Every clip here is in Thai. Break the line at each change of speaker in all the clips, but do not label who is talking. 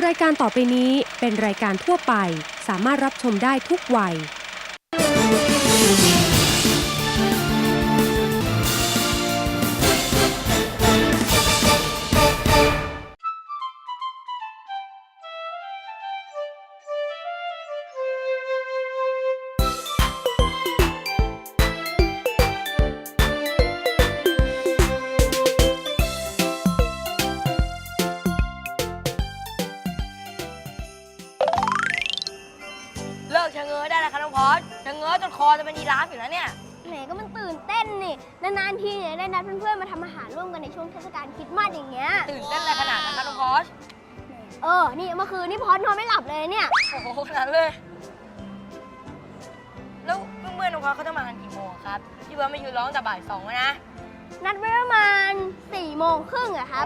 รายการต่อไปนี้เป็นรายการทั่วไปสามารถรับชมได้ทุกวัย
เลิกชะเง้อได้แล้วค่ะน้องพอสชะเง้อจนคอจะเป็นยีราฟอยู่แล้วเนี่ย
แหมก็มันตื่นเต้นนี่นานๆทีเนี่ยได้นัดเพื่อนๆมาทำอาหารร่วมกันในช่วงเทศกาลคริสต์มาสอย่างเงี้ย
ตื่นเต้นอะไรขนาดนั้นคะน้องพอส
นี่เมื่อคืนนี่พอสนอนไม่หลับเลยเนี่ย
โอ้โหขนาดเลยแล้วเมื่อน้องพอสเขาจะมากันกี่โมงครับที่ว่าไม่ยืนร้องแต่บ่าย2นะ
นัดไว้ประมาณ4:30อะครับ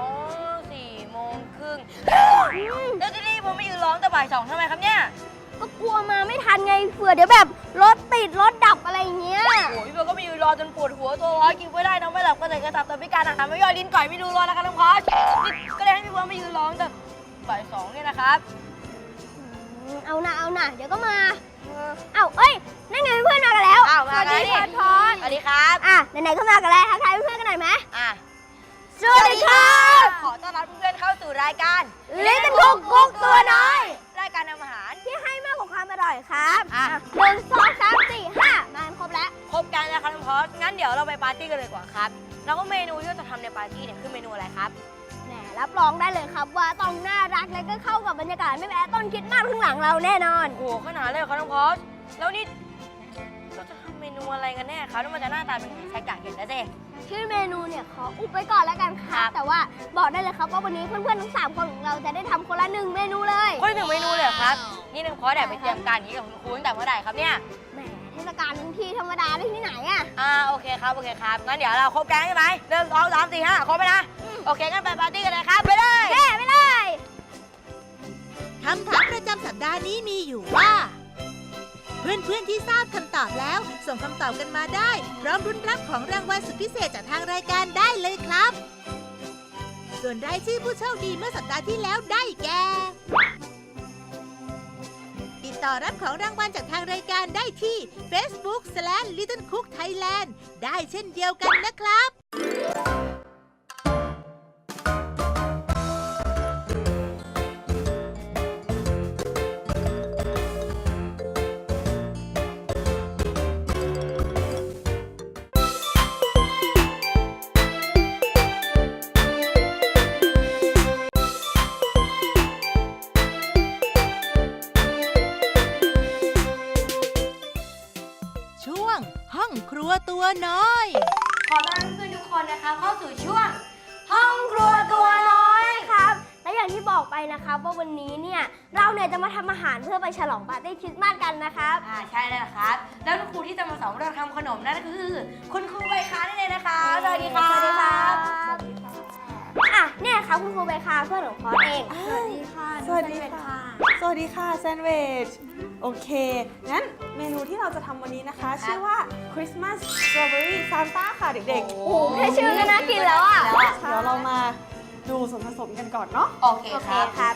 4:30แล้วที่นี่ผมไม่ยืนร้องแต่บ่าย2ทำไมครับเนี่ย
ก็กลัวมาไม่ทันไงเผื่อเดี๋ยวแบบรถติดรถดับอะไรอย่างเงี้ย
โอ้ยพี่เบลก็ไม่ยืนรอจนปวดหัวตัวร้อนกินไม่ได้นอนไม่หลับก็เลยกระสับแต่พิการอาหารไม่ย่อยลิ้นก่อยไม่ดูรอแล้วครับน้องพอสก็เลยให้พี่เบลไม่ยืนร้องแต่บ่าย2เนี่ยนะครับ
เอานะเดี๋ยวก็มานั่นไงเพื่อนมากันแล้ว
สวัสดี
พอส
สวัสดีครับ
ไหนๆก็มากันแล้วทักทายเพื่อนๆกันหน่อยไหมสวัสดี
ครับขอต้อนรับเพื่อนเข้าสู่รายการ
ลิ้นคุกกุ๊กตัวน้อย
รายการทำอาหาร
ที่ให้มากกว่าความอร่อยครับ1 2 3 4 5มาครบแล้ว
ครบกันแล้วครับน้องพอสงั้นเดี๋ยวเราไปปาร์ตี้กันเลยดีกว่าครับแล้วก็เมนูที่เราจะทำในปาร์ตี้เนี่ยคือเมนูอะไรครับ
แหมรับรองได้เลยครับว่าต้องน่ารักและก็เข้ากับบรรยากาศไม่แพ้ต้นคริสต์มาสข้างหลังเราแน่นอน
โอ้โหขนาดเลยครับน้องพอสแล้วนี่เราจะทำเมนูอะไรกันแน่ครับแล้วมันจะหน้าตาเป็นยังไงใช้กากเห็นแล้วสิ
ชื่อเมนูเนี่ยขออุบไว้ก่อนแล้วกันครับแต่ว่าบอกได้เลยครับว่าวันนี้เพื่อนๆทั้ง3คนของเราจะได้ทำคนละ1 เมนูเลย
คนละ1 เมนูเลยครับนี่น้องพอสแอบไปเตรียมการนี้กับคุณครูตั้งแต่เมื่อไหร่ครับเนี่ย
แหมเทศกาลทั้งทีธรรมดาได้ที่ไหน
โอเคครับงั้นเดี๋ยวเราครบแก๊งใช่ไหม1 2 3 4 5ครบไหมนะโอเคงั้นไปปาร์ตี้กันเลยครับไปเลย
ไปเลย
คำถามประจำสัปดาห์นี้มีอยู่ว่าเพื่อนๆที่ทราบคำตอบแล้วส่งคำตอบกันมาได้พร้อมรุ้นรับของรางวัลสุดพิเศษจากทางรายการได้เลยครับส่วนรายชื่อผู้โชคดีเมื่อสัปดาห์ที่แล้วได้แก่ติดต่อรับของรางวัลจากทางรายการได้ที่ Facebook/LittleCookThailand ได้เช่นเดียวกันนะครับห้องครัวตัวน้อย
ขอต้อนรับเพื่อนทุกคนนะคะเข้าสู่ช่วงห้องครัวตัวน้อย
ครับและอย่างที่บอกไปนะครับว่าวันนี้เนี่ยเราเนี่ยจะมาทำอาหารเพื่อไปฉลองปาร์ตี้คริสต์มาสกันนะครับ
ใช่แล้วครับแล้วครูที่จะมาสอนเราทำขนมนั่นก็คือคุณครูใบคานั่นเองนะคะสวัสดีครับ
เนี่ยครับคุณครูใบคาเพื่อนของพอสเอง
สวัสดีค่ะสวัสดีค่ะแซนด์วิชโอเคงั้นเมนูที่เราจะทำวันนี้นะคะชื่อว่า Christmas Strawberry Santa ค่ะเด็กๆ
โอ้โหแค่ชื่อก็น่ากินแล้ว
เดี๋ยวเรามาดูส่วนผสมกันก่อนเนาะ
โอเคครับ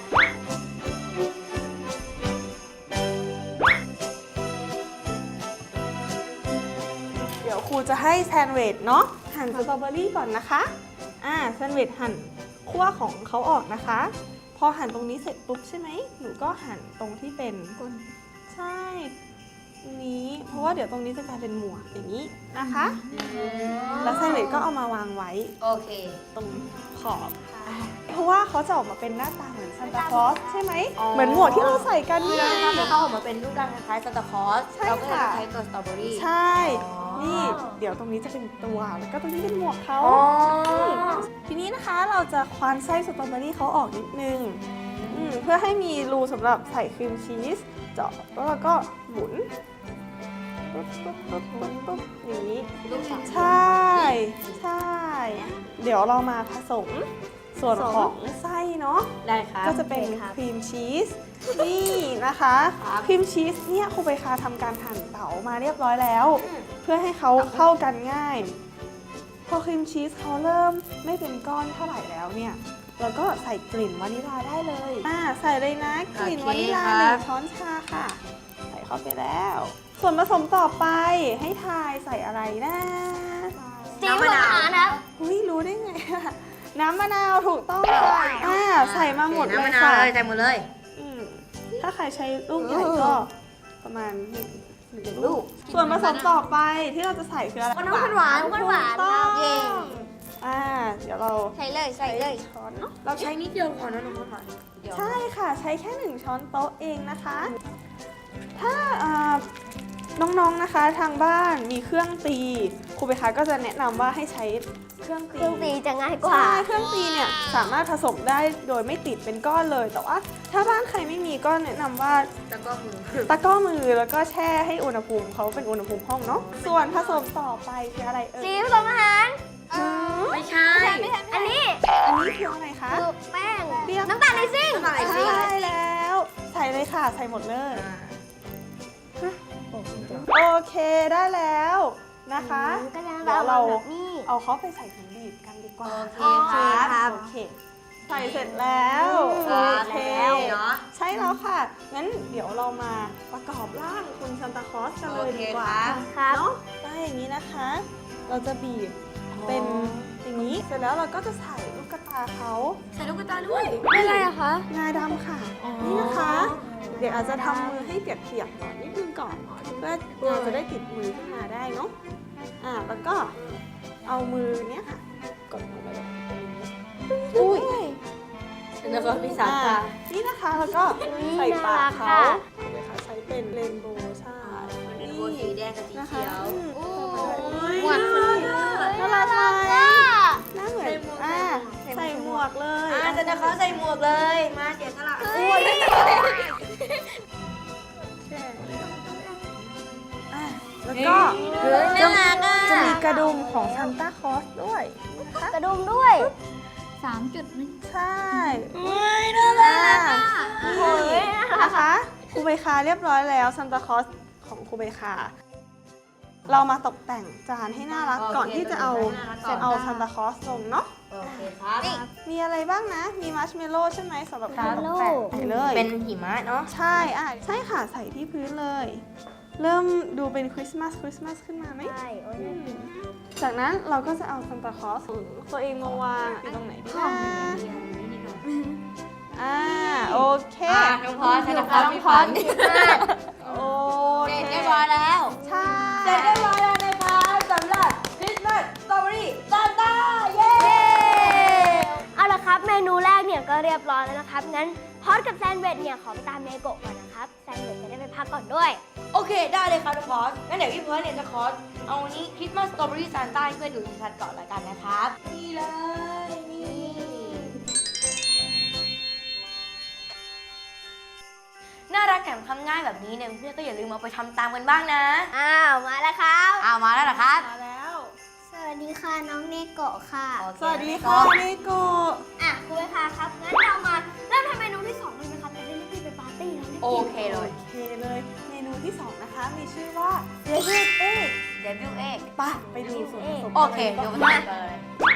เดี๋ยวครูจะให้แซนด์วิชเนาะหั่นสตรอเบอรี่ก่อนนะคะแซนด์วิชหั่นขั้วของเขาออกนะคะพอหั่นตรงนี้เสร็จปุ๊บใช่ไหมหนูก็หั่นตรงที่เป็นก้นใช่นี้เพราะว่าเดี๋ยวตรงนี้จะกลายเป็นหมวกอย่างนี้นะคะแล้วแซนด์วิชก็เอามาวางไว้
โอเค
ตรงขอบเพราะว่าเขาจะออกมาเป็นหน้าตาเหมือนซานตาคลอสใช่ไหมเหมือนหมวกที่เราใส่กัน
เนี่ยถ้าเขาออกมาเป็นรูปร่างคล้ายซานตาคลอสเราก็จะใช้ตัวสตรอเบอรี่
ใช่นี่เดี๋ยวตรงนี้จะเป็นตัวแล้วก็ตรงนี้เป็นหมวกเขาทีนี้นะคะเราจะควานไส้สตรอเบอรี่เขาออกนิดนึงเพื่อให้มีรูสำหรับใส่ครีมชีสเจาะแล้วก็หมุนปุ๊บอย่างนี้ใช่เดี๋ยวเรามาผสมส่วนของไส้เนาะ
ได้ครับ
ก็จะเป็นครีมชีสนี่นะคะครีมชีสเนี่ยครูใบคาทำการหั่นเต๋ามาเรียบร้อยแล้วเพื่อให้เขาเข้ากันง่ายพอครีมชีสเขาเริ่มไม่เป็นก้อนเท่าไหร่แล้วเนี่ยแล้วก็ใส่กลิ่นวานิลลาได้เลยใส่เลยนะกลิ่น
โอเค
วานิลลา
ครับ
1 ช้อนชาค่ะ ใส่เข้าไปแล้ว ส่วนผสมต่อไปให้ทายใส่อะไรนะ
ซีอิ๊วอาหารนะครับ
อุ้ยรู้ได้ไงอะน้ำมะนาวถูกต้องค่ะใส่มาหมดเลย
น้ำมะนาว
ค่ะ
เลยใส่หมดเลย
อืมถ้าใครใช้ลูกใหญ่ก็ประมาณหนึ่งลูก ส่วนผสมต่อไปที่เราจะใส่คืออะไร
น้ำข้นหวานข้นหวาน
ถูกต้อง
เย้
เดี๋ยวเรา
ใส่เลย
ช้อนเนาะ
เราใช้นิดเดียวก่อนนะน้องหวาน
ใช่ค่ะใช้แค่ 1 ช้อนโต๊ะเองนะคะ ถ้าน้องๆนะคะทางบ้านมีเครื่องตีครูเบคาก็จะแนะนำว่าให้ใช้เครื่อง
เครื่องตีจะง่ายกว่า
ใช่เครื่องตีเนี่ยสามารถผสมได้โดยไม่ติดเป็นก้อนเลย แต่ว่าถ้าบ้านใครไม่มีก็แนะนำว่า
แล้วก็มือ
ตะกร้อมือแล้วก็แช่ให้อุณหภูมิเขาเป็นอุณหภูมิห้องเนาะส่วนผสมต่อไปคืออะไรเอ่
ซี
ย
อิ๊วผสมอาหาร
ไม่ใช่
อันนี้
อันนี้คืออะไรคะ
คือแป้ง
เรียก
น้ำตาลในซิ่ง
น้ำตาลในซิ่ง
ใช่แล้ว ใส่เลยค่ะใส่หมดเลยโอเคได้แล้วนะคะ
ก็จะ
เดี๋ยวเรา
แบบนี้
เอาเขาไปใส่ถุงบีบกันดีกว่า
โอเคครับ
โอเคใส่เสร็จแล้วโอเค
แล้วเนาะ
ใช่แล้วค่ะ งั้นเดี๋ยวเรามาประกอบร่างคุณซานตาคลอสกันเลยดีกว่า
โอเคครับ
ครับ
เนาะได้อย่างนี้นะคะ เราจะบีบเป็นอย่างนี้ เสร็จแล้วเราก็จะใส่ลูกกระตาเขา
ใส่ลูกกระตาด้วย
เป็นไรอะคะ
งาดำค่ะ นี่นะคะ เดี๋ยวอาจจะทำมือให้เปียกๆก่อนนิดนึงก่อนเพื่องาจะได้ติดมือขึ้นมาได้เนาะแล้วก็เอามือเนี้ยค่ะกดลงไปแบบนี้อุ้ย
แล้วก็พี่สาวตา
นี่นะคะแล้วก็ใส่ปากเขา
น่ารัก
เอาเลยค่ะใช้เป็นเรนโบว์ใช่
เป็นโบสีแดงกับสี
นะคะ
เขียว
หวาน
น่ารักไหม
อ่ะ
หน้าเหมือนใส่หมวกเลย
จะนะเขาใส่หมวกเลย มาเสียสละ
แล้วก็
น่ารักอ่ะ
จะมีกระดุมของซานต้าคลอสด้วยนะคะ
กระดุมด้วย
3 จุดนึง
ใช่
น่ารักอ่ะ
นี่นะคะครูเบคาเรียบร้อยแล้วซานตาคลอสของครูเบคาเรามาตกแต่งจานให้น่ารักก่อนที่จะเอาซานตาคลอสลงเนาะ
โอเคครับ
มีอะไรบ้างนะ มีมัชเมลโล่ใช่ไหมสำหรับการตกแต่งใส่เลย
เป็นหิมะเนาะ
ใช่ใช่ค่ะใส่ที่พื้นเลย เริ่มดูเป็นคริสต์มาสขึ้นมาไหม
ใช่โอ้ย
จากนั้นเราก็จะเอาซานตาคลอสของตัวเองมาวางอยู่ตรงไหนดีนะโอเค
น้องพอสนะครับพี่ฝัน
โอ
เสร็จ
เค
เรียบร้อยแล้ว
ใช่
เสร็จเรียบร้อยแล้วนะครับสำหรับคริสต์มาสสตรอเบอรี่ซานต้าเย้
เอาละครับ เมนูแรกเนี่ยก็เรียบร้อยแล้วนะครับ งั้นพอดกับแซนด์วิชเนี่ยขอไปตามเนโกะก่อนนะครับ แซนด์วิชจะได้ไปพักก่อนด้วย
โอเคได้เลยครับน้องพอสงั้นเดี๋ยวพี่เพิร์ดเนี่ยจะขอเอาวันนี้คริสต์มาสสตรอเบอรี่ซานต้าให้เพื่อนดูชัดๆก่อนละกันนะครับนี่เลยนี่น่ารักแถมทำง่ายแบบนี้เนี่ยเพื่อนก็อย่าลืมเอาไปทำตามกันบ้างนะ
อ้าว มาแล้วครับ
เอามาแล้วเหรอครับ
มาแล้ว
สวัสดีค่ะน้องเนโกะค่ะ
โอเค
สวัสดีค่ะเนโกะ
คุณเวคาครับ งั้นเรามาเริ่มทำเมนูที่2เลยไหมครับจะได้รีบๆไปปาร์ตี้แล้วรีบ
โอ
กิน
เคเลย
โอเคเลย เมนูที่ 2 นะคะ มีชื่อว่า Deviled Egg
เดบิวเอก
ไปดูส่วนผสม
โอเคเดี๋ยวมาทำกันเลย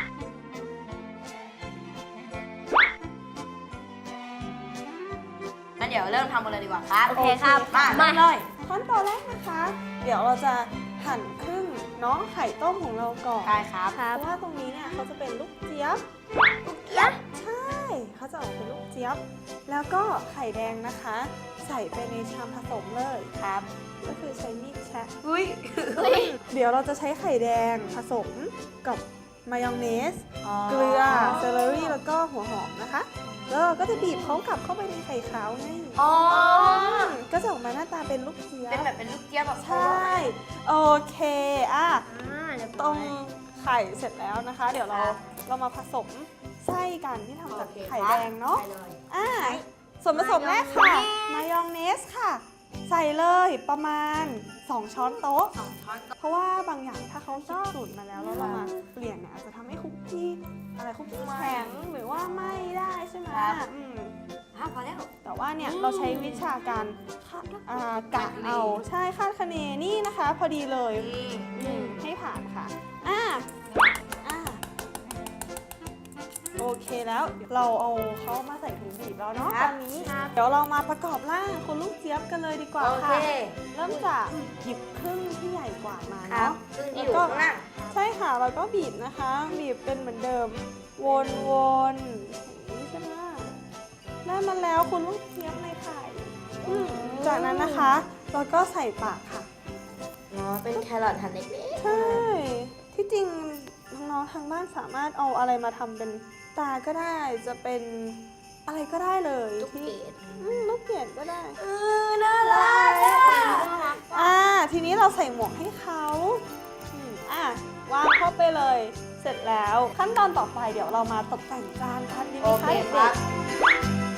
งั้นเดี๋ยวเริ่มทำกันเลยดีกว่าครับ
โอเคครับ
มาเลย
ขั้นตอนแรกนะคะ เดี๋ยวเราจะหั่นครึ่งเนาะไข่ต้มของเราก่อน
ได้ครับ
เพราะว่าตรงนี้เนี่ยเขาจะเป็นลูกเจี๊ยบ ใช่ เขาจะออกเป็นลูกเจี๊ยบ แล้วก็ไข่แดงนะคะ ใส่ไปในชามผสมเลย
ครับ
ก็คือใช้มีดแชะ
อุ้ย
เดี๋ยวเราจะใช้ไข่แดงผสมกับมายองเนส เกลือ เซเลอรี่ แล้วก็หัวหอมนะคะ แล้วเราก็จะบีบเขากลับเข้าไปในไข่ขาวไง
อ๋อ
ก็จะออกมาหน้าตาเป็นลูกเจี๊ยบ
เป็นแบบเป็นลูกเจี๊ยบแบบ
ใช่ โอเค
เรียบ
ต
ร้
ร
อง ย
ไข่เสร็จแล้วนะคะ เดี๋ยวเรามาผสมไส้กันที่ทำจากไข่แดงเนาะ
ได้เลย
ส่วนผสมแรกค่ะ มายองเนสค่ะ ใส่เลยประมาณ 2 ช้อนโต๊ะ
2 ช้อนโต๊ะ
เพราะว่าบางอย่างถ้าเขาคิดสูตรมาแล้วแล้วเรามาเปลี่ยนเนี่ยอาจจะทำให้คุกกี้แข็งหรือว่าไม่ได้ใช่ไหม
พอแล้ว
แต่ว่าเนี่ยเราใช้วิชาการกะเอาใช่คาดคะเนนี่นะคะ พอดีเลยให้ผ่านค่ะโอโอเคแล้วเราเอาเขามาใส่ถุงบีบแล้วเนาะ
ครั
ต
บ
อนนี้ เดี๋ยวเรามาประกอบร่างคุณลูกเจี๊ยบกันเลยดีกว่า
โอเค
ค่ะ เริ่มจากหยิบครึ่งที่ใหญ่กว่ามา
ครับ
เนาะ
ซึ่งที่อยู่ข้างหน้า
ใช่ค่ะแล้วก็บีบนะคะ บีบเป็นเหมือนเดิม วนๆอย่างนี้ใช่ไหมได้มาแล้วคุณลูกเจี๊ยบในไข่จากนั้นนะคะเราก็ใส่ปากค่ะ
อ๋อ เป็นแครอทหั่นเล็ก
ใช่ ที่จริงน้องๆทางบ้านสามารถเอาอะไรมาทำเป็นตาก็ได้ จะเป็นอะไรก็ได้เลย
ๆทุก
ที่
เกต
ลูกเกดก็ได้
น่ารัก
ทีนี้เราใส่หมวกให้เขาวางเข้าไปเลย เสร็จแล้วขั้นตอนต่อไปเดี๋ยวเรามาตกแต่งจานกันดีไหม
โอเค
คะ
ค
เด็
รั
ก
บ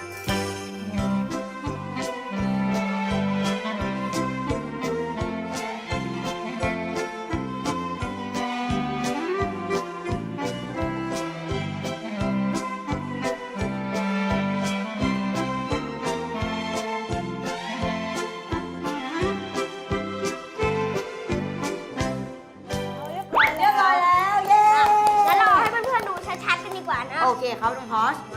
ๆเรียบร้อย
เรียบร้อยแล้ว เย้
งั้นเราให้เพื่อนๆดูชัดๆกันดีกว่านะ
โอเคครับน้องพอส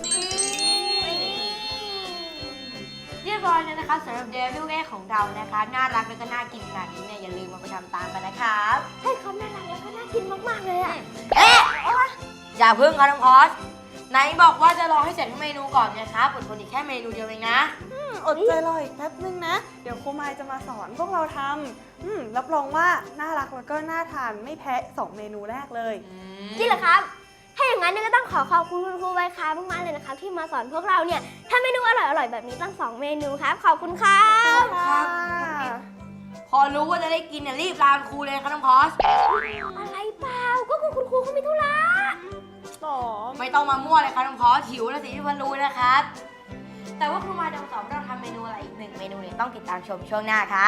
เรียบร้อยแล้วนะครับสำหรับเดวิลเอของเรานะคะ น่ารักแล้วก็น่ากินขนาดนี้เนี่ยอย่าลืมมาไปทำตามกันนะครับ
ใช่ครับน่ารักแล้วก็น่ากินมากๆเลยอะ
อย่าพึ่งครับน้องพอสไหนบอกว่าจะรอให้เสร็จทุกเมนูก่อนนะครับอดทนอีกแค่เมนูเดียวเองนะ
อดใจรออีกแป๊บนึงนะ เดี๋ยวครูมายจะมาสอนพวกเราทำรับรองว่าน่ารักแล้วก็น่าทานไม่แพ้2เมนูแรกเลย
จริงเหรอครับ ถ้าอย่างนั้นเนี่ยก็ต้องขอบคุณคุณครูใบคามากๆเลยนะครับที่มาสอนพวกเราเนี่ยทำเมนูอร่อยๆแบบนี้ตั้ง2เมนูครับขอบคุณครับ
ครับ พอรู้ว่าจะได้กินเนี่ยรีบลาครูเลยครับน้องพอส
อะไรเปล่าก็คุณครูเขามีธุระ
ไม่ต้องมามั่วเลยครับน้องพอสหิวแล้วสิที่เพิ่นรู้นะครับ แต่ว่าครูมาจะมาสอนเราทำเมนูอะไรอีก1เมนูเนี่ยต้องติดตามชมช่วงหน้าครับ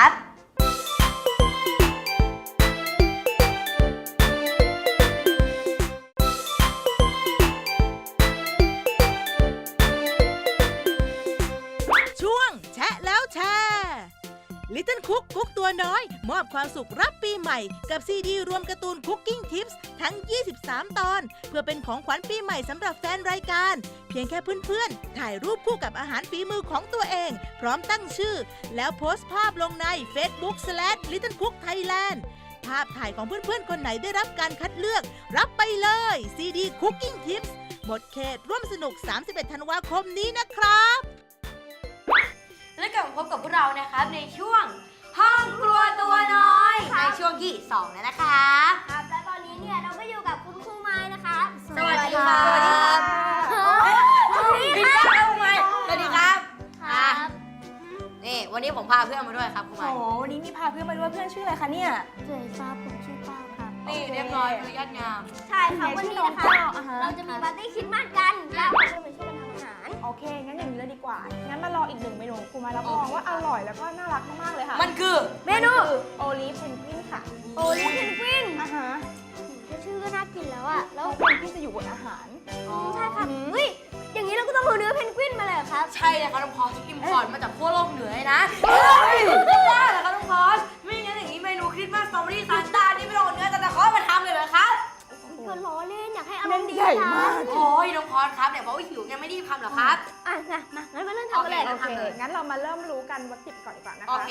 ช่วงแชะแล้วแชร์ Little Cook กุ๊กตัวน้อย มอบความสุขรับปีใหม่กับซีดีรวมการ์ตูน Cooking Tips ทั้ง 23 ตอน เพื่อเป็นของขวัญปีใหม่สำหรับแฟนรายการ เพียงแค่เพื่อนๆ ถ่ายรูปคู่กับอาหารฝีมือของตัวเอง พร้อมตั้งชื่อ แล้วโพสต์ภาพลงใน Facebook/Little Cook Thailand ภาพถ่ายของเพื่อนๆ คนไหนได้รับการคัดเลือก รับไปเลยซีดี Cooking Tips หมดเขตร่วมสนุก 31 ธันวาคมนี้นะครับ
และกลับมาพบกับพวกเรานะครับในช่วงห้องครัวตัวน้อย ในช่วงที่2แล้วนะคะ
ครับและตอนนี้เนี่ยเราก็อยู่กับคุณครูไม้นะคะ
สวัสดีครับ
สวัสดีครับ
สวัสดีครับสวัสดีครับ
ครับ
นี่วันนี้ผมพาเพื่อนมาด้วยครับครูใหม่
โอ้วันนี้มีพาเพื่อนมาด้วยเพื่อนชื่ออะไรคะเนี่ย
สวัสดีครับผมชื่อเป้าครับ
นี่เรียบร้อยคือยอดงาม
ใช่ค่ะวันนี้นะคะ เราจะมีปาร์ตี้คริสต์มาสกันแล้วเราจะมาช่วยกันทำอาหาร
โอเค งั้นอย่างนี้เลยดีกว่า งั้นมารออีก1เมนูครูมารับรองว่าอร่อยแล้วก็น่ารักมากๆเลยค่ะ
มันคือ
เมนู
โอลิฟเพนกวินค่ะ
โอลิฟเพนกวิน
อ่าฮะ
แค่ชื่อก็น่ากินแล้วอะแล้ว
เพนกวินจะอยู่บนอาหาร
ใช่ค่ะเฮ้ยอย่างนี้เราก็ต้องเอาเนื้อเพนกวินมาเลยเหรอครับ
ใช่เลยครับน้องพอสอิมพอร์ตมาจากขั้วโลกเหนือเลยนะไม่ได้เหรอครับน้องพอสไม่งั้นอย่างนี้เมนูคริสต์มาสสตรอเบอรี่ซานต้านี่ไม่ต้องเอาเนื้อแต่ตะขอมาทำเลยเหรอครับ
ก็ล้อเล่นอยากให้อารมณ์ดี
ใหญ่
ค่ะ
มาก
โอ้ยน้องพอสครับเดี๋ยวบอกว่าหิวยังไม่รีบทำเหรอครับ
อ่ะมางั้นมาเริ่มทำกันเลย
โอ
โอ
เค
เค งั้นเรามาเริ่มรู้กันวัตถุดิบก่อนดีกว่านะคะ
โอเค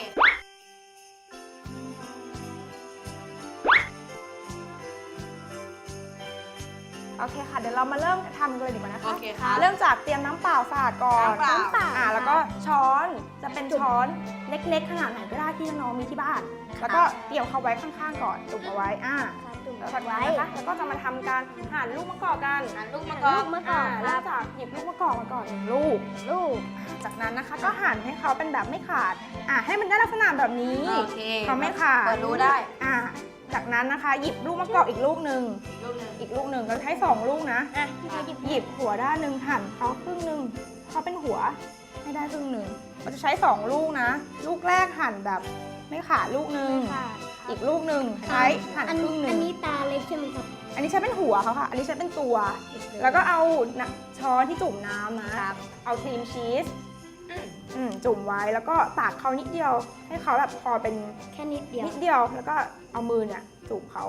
โอเคค่ะ เดี๋ยวเรามาเริ่มทำกันเลยดีกว่านะคะ
โอเคครับ
เริ่มจากเตรียมน้ำเปล่าสะอาดก่อน
น้ำเปล่า
แล้วก็ช้อนจะเป็นช้อนเล็กๆ ขนาดไหนก็ได้ที่น้องๆมีที่บ้าน แล้วก็เกี่ยวเขาไว้ข้างๆก่อนจุ่มเอาไว้
จุ่ม
แล้ว
ไว้
นะคะแล้วก็จะมาทำการหั่นลูกมะกอกกัน
หั่นลูกมะกอก
ลูกมะกอกค
เริ่
รั
ม
บ
จากหยิบลูกมะกอกมาก่อน1ลูก จากนั้นนะคะก็หั่นให้เขาเป็นแบบไม่ขาด ให้มันได้ลักษณะแบบนี้
โอเค
เขาไม่ขาด
เปิดรู้ได้
จากนั้นนะคะ หยิบลูกมะกอกอีกลูกหนึ่ง
อีกลูกหนึ่ง
เราใช้2ลูกนะ
พี่เขาหยิบ
หยิบหัวด้านหนึ่งหั่นเขาครึ่งหนึ่งเขาเป็นหัวให้ได้ครึ่งหนึ่งเราจะใช้2ลูกนะ ลูกแรกหั่นแบบไม่ขาดลูกหนึ่ง
ค่ะ
อีกลูกหนึ่งใช้หั่น
อัน
ครึ่งหนึ่
อั
ง
นนี้ตาเล็กใช่ไหมครับ
อันนี้ใช้เป็นหัวเขาค่ะ อันนี้ใช้เป็นตัว แล้วก็เอาช้อนที่จุ่มน้ำนะ เอาครีมชีสจุ่มไว้แล้วก็ตักเขานิดเดียว ให้เขาแบบพอเป็น
แค่นิดเดียว
นิดเดียว แล้วก็เอามือเนี่ยจุ่มเขา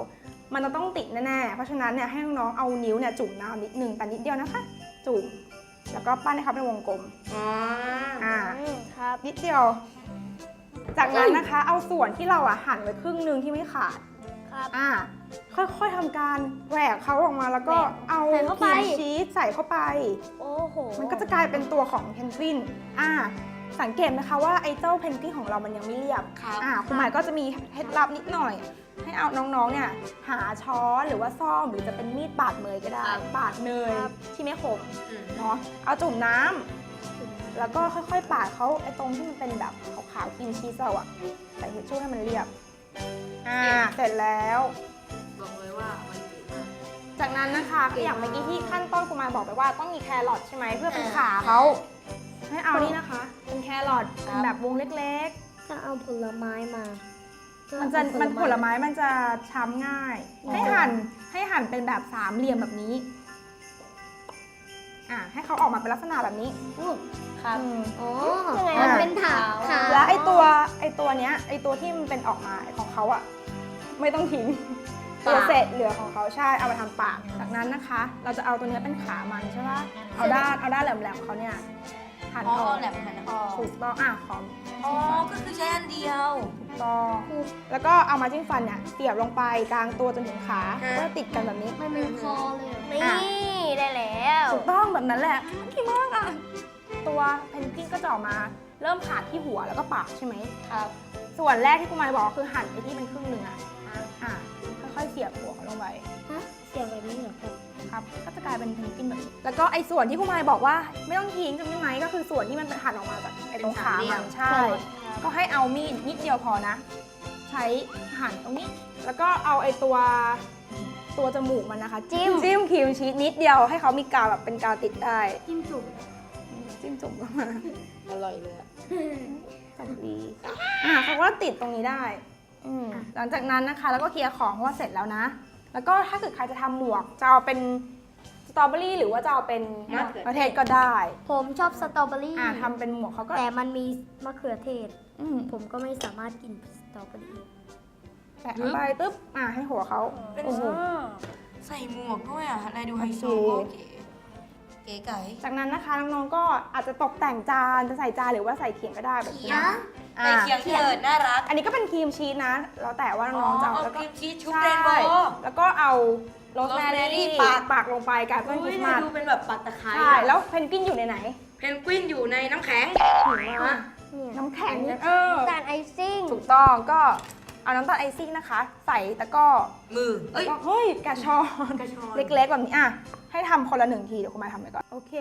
มันจะต้องติดแน่ๆเพราะฉะนั้นเนี่ยให้น้องๆเอานิ้วเนี่ยจุ่มน้ำนิดนึงแต่นิดเดียวนะคะ จุ่มแล้วก็ปั้นให้เขาเป็นวงกลม
อ๋อ
ครับ
นิดเดียว จากนั้นนะคะเอาส่วนที่เราหั่นไว้ครึ่งหนึงที่ไม่ขาด
ครับ
ค่อยๆทำการแหวกเขาออกมาแล้วก็เอา
ใส่เข้าไป
ครีมชีสใส่เข้าไป
โอ้โห
มันก็จะกลายเป็นตัวของเพนกวินสังเกตไหมคะว่าไอ้เจ้าเพนกวินของเรามันยังไม่เรียบ
ครับ
คุณหมายก็จะมีเคล็ดลับนิดหน่อย ให้เอาน้องๆเนี่ยหาช้อนหรือว่าซ่อมหรือจะเป็นมีดปาดเนยก็ได้ ปาดเนยที่ไม่คมเนาะเอาจุ่มน้ำแล้วก็ค่อยๆปาดเขาไอ้ตรงที่มันเป็นแบบขาวๆครีมชีสเราอะใส่ทิชชู่ให้มันเรียบเสร็จแล้ว
บอกเลยว่ามันดีมาก
จากนั้นนะคะอย่างเมื่อกี้ที่ขั้นต้นคุณหมายบอกไปว่าต้องมีแครอทใช่ไหมเพื่อเป็นขาเขาให้เอานี่นะคะ เป็นแครอทเป็นแบบวงเล็ก
จะเอาผลไม้มา
ๆ มันผลไม้มันจะช้ำง่าย ให้หั่นเป็นแบบสามเหลี่ยมแบบนี้ให้เขาออกมาเป็นลักษณะแบบนี้
ครับ
อ๋อยังไงมันเป็นถา
แล้วไอตัวเนี้ยไอตัวที่มันเป็นออกมาของเขาอะไม่ต้องทิ้งตัวเศษเหลือของเขาใช่เอาไปทำปากจากนั้นนะคะ เราจะเอาตัวเนี้ยเป็นขามันใช่ปะเอาด้านแหลมๆเขาเนี่ยหั่นออก
แหลมหันออก
ถูกต้องขอม
อ๋อ ก็คือใช้อันเดียว
ถูกต้องแล้วก็เอามาจิ้มฟันเนี่ยเสียบลงไปกลางตัวจนถึงขาก็ติดกันแบบนี้
มันเป็นคอเลยนี่ได้แล้ว
ถูกต้องแบบนั้นแหละดีมากอะตัวเพนกวินก็จะออกมาเริ่มผ่าที่หัวแล้วก็ปากใช่ไหม
ครับ
ส่วนแรกที่คุณหมายบอกคือหั่นไปที่เป็นครึ่งหนึ่งค่อยๆเสียบหัวเขาลงไป
เสียงแบบนี้เหรอครับ
ครับก็จะกลายเป็นเพนกวินแบบนี้แล้วก็ไอ้ส่วนที่คุณหมายบอกว่าไม่ต้องทิ้งจำได้ไหมก็คือส่วนที่มันเป็นหั่นออกมาจากไอ้ตรงขามันใช่ ก็ให้เอามีดนิดเดียวพอนะ ใช้หั่นตรงนี้ แล้วก็เอาไอ้ตัวจมูกมันนะคะ จิ้มครีมชีสนิดเดียวให้เขามีกาวแบบเป็นกาวติดได้
จิ้มจุ่ม
จิ้มจุ่มเข้ามา
อร่อยเลยอะ
จับดีเขาก็ติดตรงนี้ได้หลังจากนั้นนะคะแล้วก็เคลียร์ของเพราะว่าเสร็จแล้วนะ แล้วก็ถ้าเกิดใครจะทำหมวกจะเอาเป็นสตรอเบอรี่หรือว่าจะเอาเป็นมะเขือเทศก็ได้
ผมชอบสตรอเบอรี่
ทำเป็นหมวกเขาก็
แต่มันมีมะเขือเทศ
ม
ผมก็ไม่สามารถกินสตรอเบอรี่
แปะลงไปตึ๊บให้หัวเขา
เป็น
โอ้โห
ใส่หมวกด้วยอ่ะอะไรดูไฮโซ
โอ
ก็
เค
เก๋ไก่
จากนั้นนะคะน้องๆก็อาจจะตกแต่งจานจะใส่จานหรือว่าใส่เขียงก็ได้แบบนี้
ใส่เคียงเถิดน่ารัก
อันนี้ก็เป็นครีมชีสนะ แล้วแต่ว่าน้องๆจะเอา
เอา
แล้ว
ค
ก็
รีมชีสชุบ
ใช่
เรนโบว์
แล้วก็เอาโรสแม
rosemary
รี่
ปัก
ลงไปกับต้นคริสต์มาส
ดูเป็นแบบปักตะไคร้
ใช่แล้วเพนกวินอยู่ในไหน
เพนกวินอยู่ในน้ำแข็ง
น้ำแข็ง
จานไอซิ่ง
ถูกต้องก็เอาน้ำตาลไอซิ่งนะคะ ใส่ตะกร้อ
มือ เอ้ย
เฮ้ยกระชอน
กระชอน
เล็กๆแบบนี้ให้ทำคนละ1 ทีเดี๋ยวคุณมาทำไปก่อนโอเค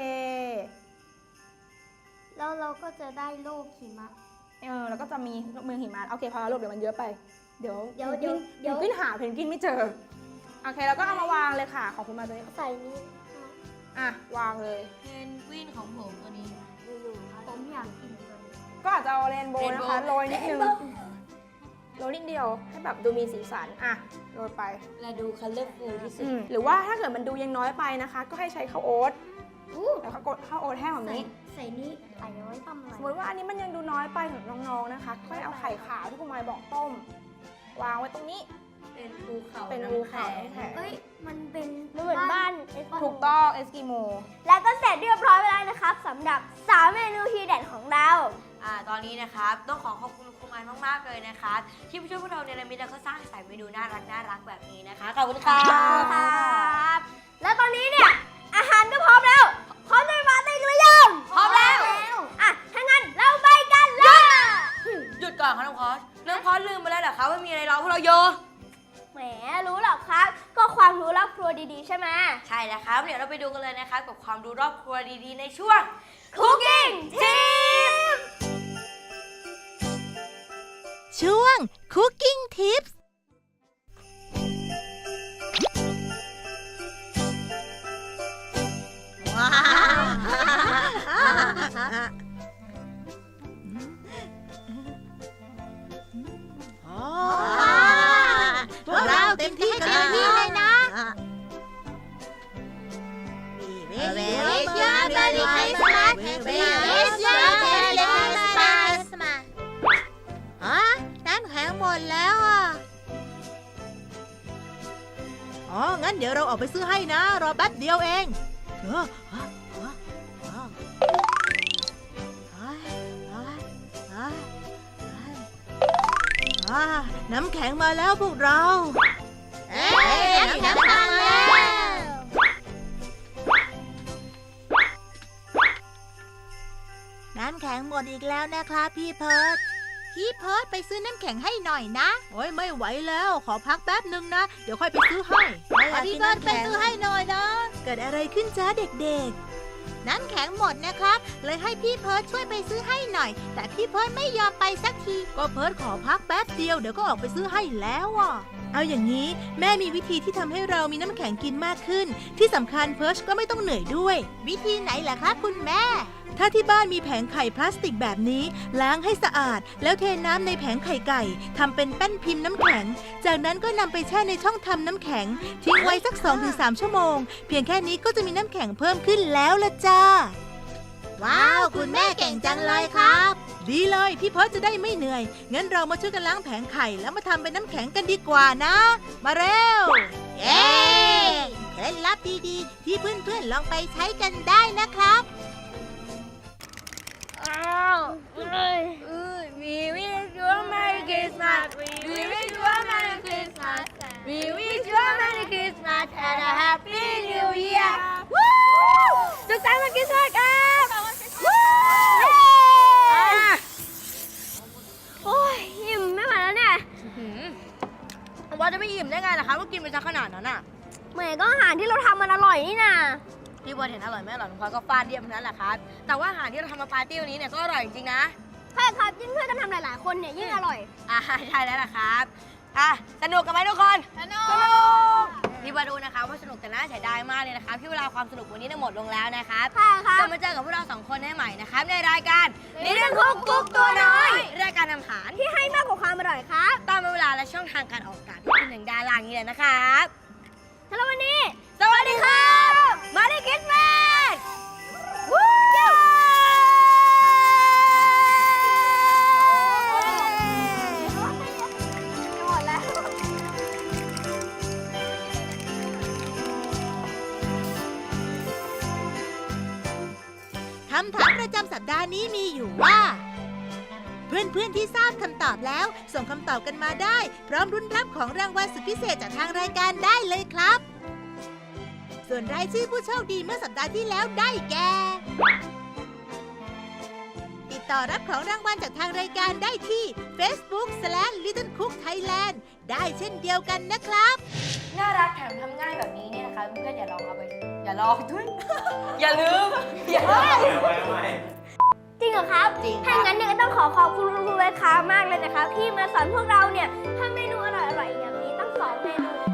แล้วเราก็จะได้โลกหิมะ
แล้วก็จะมีเมืองหิมะโอเคพอแล้วลูกเดี๋ยวมันเยอะไปเดี๋ยว
เดี๋ยว
เพนกวินหาเพนกวินไม่เจอโอเคแล้วก็เอามาวางเลยค่ะของคุณมาตัวนี้
ใส่นี่
วางเลย
เพนกวินของผมตัวนี้
ผมอยากกินตัวนี้
ก็อาจจะเอาเรนโบว์นะคะ
Rainbow
โรยนิดนึงโรยนิดเดียวให้แบบดูมีสีสันโรยไป
และดูคัลเลอร์ฟูลที่สุด
หรือว่าถ้าเกิดมันดูยังน้อยไปนะคะ ก็ให้ใช้ข้าวโอ๊ตแล้วก็กดข้าวโอ๊ตแห้งแบบนี้
ใส่นี่ใส่ไว้ทำอะไร
สมมติว่าอันนี้มันยังดูน้อยไปสำหรับน้องๆนะคะค่อยเอาไข่ขาวที่คุณมายบอกต้ม วางไว้ตรงนี้
เป็นภูเขา
เป็น
น้ำ
ภูเขา
แข็ง
น้ำแข็ง
เอ้ย มันเป็นเหมือนบ้าน
ถูกต้องเอสกิโม
แล้วก็เสร็จเรียบร้อยไปแล้วนะครับสำหรับ3เมนูทีเด็ดของเรา
ตอนนี้นะครับต้องขอบคุณครูมายมากๆเลยนะครับที่มาช่วยพวกเราเนรมิตแล้วก็สร้างสรรค์เมนูน่ารักแบบนี้นะคะขอบคุณค่ะ
ครับแล้วตอนนี้เนี่ย อาหารก็พร้อมแล้ว พร้อมจะไปปาร์ตี้กันหรือยัง
พร้อมแล้ว
ถ้างั้นเราไปกันเลย
หยุดก่อนค่ะน้องพอสน้องพอสลืมไปแล้วเหรอคะว่ามีอะไรรอพวกเราโย
แหมรู้หรอกครับ ก็ความรู้รอบครัวดีๆใช่ไหม
ใช่แล้วครับเดี๋ยวเราไปดูกันเลยนะคะกับความรู้รอบครัวดีๆในช่วง Cooking Tips
ช่วง Cooking Tips ว้าวพวกเราเต็มที่เลยนะ We wish you a Merry Christmas We wish you a Merry Christmas น้ำแข็งหมดแล้วอ๋อ งั้นเดี๋ยวเราออกไปซื้อให้นะ รอแป๊บเดียวเองน้ำแข็งมาแล้วพวกเราน้ำแข็งมาแล้ว น้ำแข็งหมดอีกแล้วนะครับพี่เพิร์ดไปซื้อน้ำแข็งให้หน่อยนะโอ้ยไม่ไหวแล้วขอพักแป๊บนึงนะเดี๋ยวค่อยไปซื้อให้พี่เพิร์ดไปซื้อให้หน่อยนะเกิดอะไรขึ้นจ้าเด็กๆน้ำแข็งหมดนะครับเลยให้พี่เพิร์ดช่วยไปซื้อให้หน่อยแต่พี่เพิร์ดไม่ยอมไปสักทีก็เพิร์ดขอพักแป๊บเดียวเดี๋ยวก็ออกไปซื้อให้แล้วอ่ะเอาอย่างนี้แม่มีวิธีที่ทำให้เรามีน้ำแข็งกินมากขึ้นที่สำคัญเพิร์ดก็ไม่ต้องเหนื่อยด้วยวิธีไหนล่ะคะคุณแม่ถ้าที่บ้านมีแผงไข่พลาสติกแบบนี้ล้างให้สะอาดแล้วเทน้ำในแผงไข่ไก่ทำเป็นแป้นพิมพ์น้ำแข็งจากนั้นก็นำไปแช่ในช่องทำน้ำแข็งทิ้งไว้สัก 2-3 ชั่วโมงเพียงแค่นี้ก็จะมีน้ำแข็งเพิ่มขึ้นแล้วละจ้าว้าวคุณแม่เก่งจังเลยครับดีเลยพี่เพิร์ทจะได้ไม่เหนื่อยงั้นเรามาช่วยกันล้างแผงไข่แล้วมาทำเป็นน้ำแข็งกันดีกว่านะมาเร็วเย้เคล็ดลับดีๆที่เพื่อนๆลองไปใช้กันได้นะครับ
We wish you a Merry Christmas. We wish you a Merry Christmas. We wish you a Merry Christmas and a Happy New Year. สุขสันต์วันคริสต์มาสครับ
โอ้ยอิ่มไม่ไหวแล้วเนี่ย
ว่าจะไม่อิ่มได้ไงล่ะคะว่ากินไปซะขนาดนั้นอ่ะ
เหมือนก็อาหารที่เราทำมันอร่อยนี่นะ
พี่บอลเห็นอร่อยไหมอร่อยน้องพลอยก็ฟาดเดียมนั้นแหละครับแต่ว่าอาหารที่เราทำมาปาร์ตี้วันนี้เนี่ยก็อร่อยจริงๆนะ
ใช่ครับยิ่งเพื่อนกันทำหลายๆคนเนี่ยยิ่งอร่อย
ใช่แล้วล่ะครับสนุกกันไหมทุกคนสนุกพี่บอลดูนะคะว่าสนุกแต่น่าเสียดายมากเลยนะครับที่เวลาความสนุกวันนี้ได้หมดลงแล้วนะครับ
ค่ะครับ
จะมาเจอกับพวกเราสองคนได้ใหม่นะครับในรายการนิทานคุกกุ๊กตัวน้อยรายการนำอาหาร
ที่ให้มากกว่าความอร่อยครับ
ตามเวลาและช่องทางการออกอากาศที่เป็นหนึ่งดาราอย่างนี้เลยนะครับ
สำหรับวันนี้
สวัสดีครับมาริคริสต์มาสวู้
หมดแล้ว
คำถามประจำสัปดาห์นี้มีอยู่ว่าเพื่อนๆที่ทราบคำตอบแล้วส่งคำตอบกันมาได้พร้อมรุ้นรับของรางวัลสุดพิเศษจากทางรายการได้เลยครับส่วนรายชื่อผู้โชคดีเมื่อสัปดาห์ที่แล้วได้แก่ติดต่อรับของรางวัลจากทางรายการได้ที่ Facebook/LittleCookThailand ได้เช่นเดียวกันนะครับ
น่ารักแถมทำง่ายแบบนี้เนี่ยนะคะเพื่อนๆอย่าลองเอาไปอย่าลองด้วย อย่าลืมอย่าลืม
จริงเหรอครับ
จริงครับ
ถ้างั้นเนี่ยก็ต้องขอบคุณคุณครูเวค้ามากเลยนะครับที่มาสอนพวกเราเนี่ยทำเมนูอร่อยๆอย่างนี้ตั้ง2 เมนู